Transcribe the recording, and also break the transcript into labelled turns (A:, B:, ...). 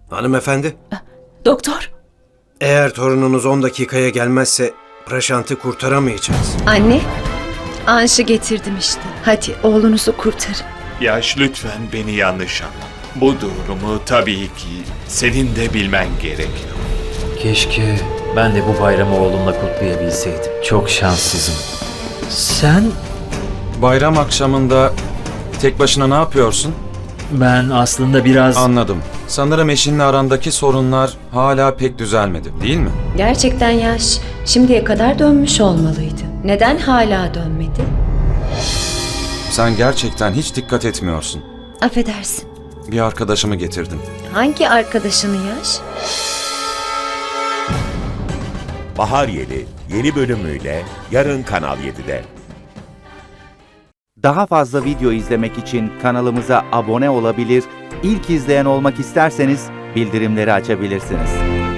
A: Hanımefendi,
B: Doktor.
A: eğer torununuz 10 dakikaya gelmezse Prashant'ı kurtaramayacağız.
B: Anne. Anş'ı getirdim işte. Hadi oğlunuzu kurtarın.
C: Yaş, lütfen beni yanlış anlama. Bu durumu tabii ki senin de bilmen gerekiyor.
D: Keşke ben de bu bayramı oğlumla kutlayabilseydim. Çok şanssızım. Sen?
E: Bayram akşamında tek başına ne yapıyorsun?
D: Ben aslında biraz...
E: Anladım. Sanırım eşinle arandaki sorunlar hala pek düzelmedi, değil mi?
B: Gerçekten Yaş şimdiye kadar dönmüş olmalıydı. Neden hala dönmedi?
E: Sen gerçekten hiç dikkat etmiyorsun.
B: Affedersin.
E: Bir arkadaşımı getirdim.
B: Hangi arkadaşını Yaş?
F: Bahar Yeli yeni bölümüyle yarın Kanal 7'de.
G: Daha fazla video izlemek için kanalımıza abone olabilir, ilk izleyen olmak isterseniz bildirimleri açabilirsiniz.